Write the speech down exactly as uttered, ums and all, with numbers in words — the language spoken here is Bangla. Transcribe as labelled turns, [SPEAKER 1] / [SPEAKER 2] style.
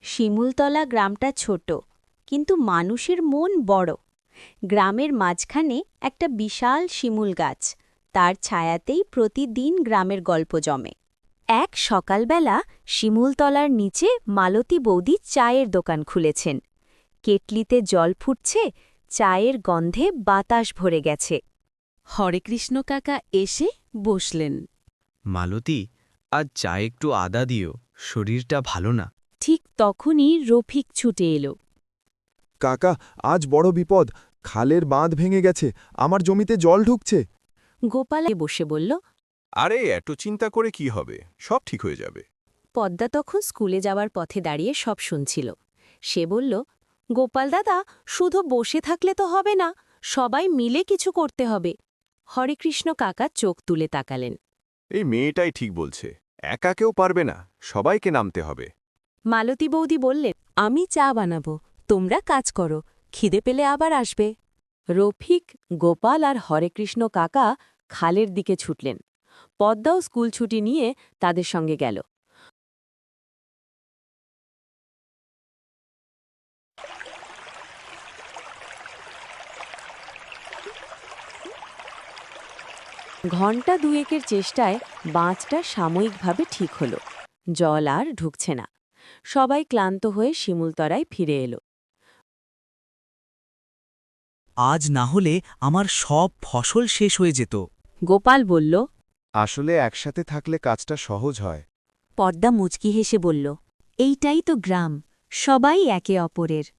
[SPEAKER 1] শিমুলতলা গ্রামটা ছোট, কিন্তু মানুষের মন বড়। গ্রামের মাঝখানে একটা বিশাল শিমুল গাছ, তার ছায়াতেই প্রতিদিন গ্রামের গল্প জমে। এক সকালবেলা শিমুলতলার নিচে মালতী বৌদি চায়ের দোকান খুলেছেন। কেটলিতে জল ফুটছে, চায়ের গন্ধে বাতাস ভরে গেছে।
[SPEAKER 2] হরেকৃষ্ণ কাকা এসে বসলেন।
[SPEAKER 3] মালতী, আজ চা একটু আদা দিও, শরীরটা ভালো না।
[SPEAKER 2] ঠিক তখনই রফিক ছুটে এলো।
[SPEAKER 4] কাকা, আজ বড় বিপদ, খালের বাঁধ ভেঙে গেছে, আমার জমিতে জল ঢুকছে।
[SPEAKER 2] গোপালে বসে বলল।
[SPEAKER 5] আরে এত চিন্তা করে কি হবে, সব ঠিক হয়ে যাবে।
[SPEAKER 2] পদ্মা তখন স্কুলে যাওয়ার পথে দাঁড়িয়ে সব শুনছিল। সে বলল, গোপাল দাদা, শুধু বসে থাকলে তো হবে না, সবাই মিলে কিছু করতে হবে। হরেকৃষ্ণ কাকা চোখ তুলে তাকালেন।
[SPEAKER 5] এই মেয়েটাই ঠিক বলছে, একা কেউ পারবে না, সবাইকে নামতে হবে।
[SPEAKER 2] মালতী বৌদি বললেন, আমি চা বানাবো, তোমরা কাজ করো, খিদে পেলে আবার আসবে। রফিক, গোপাল আর হরেকৃষ্ণ কাকা খালের দিকে ছুটলেন। পদ্মাও স্কুল ছুটি নিয়ে তাদের সঙ্গে গেল। ঘণ্টা দুয়েকের চেষ্টায় বাঁধটা সাময়িকভাবে ঠিক হল। জল আর ঢুকছে না। সবাই ক্লান্ত হয়ে শিমুলতলায় ফিরে এলো।
[SPEAKER 6] আজ না হলে আমার সব ফসল শেষ হয়ে যেত।
[SPEAKER 2] গোপাল বলল।
[SPEAKER 5] আসলে একসাথে থাকলে কাজটা সহজ হয়।
[SPEAKER 1] পদ্মা মুচকি হেসে বলল, এইটাই তো গ্রাম, সবাই একে অপরের।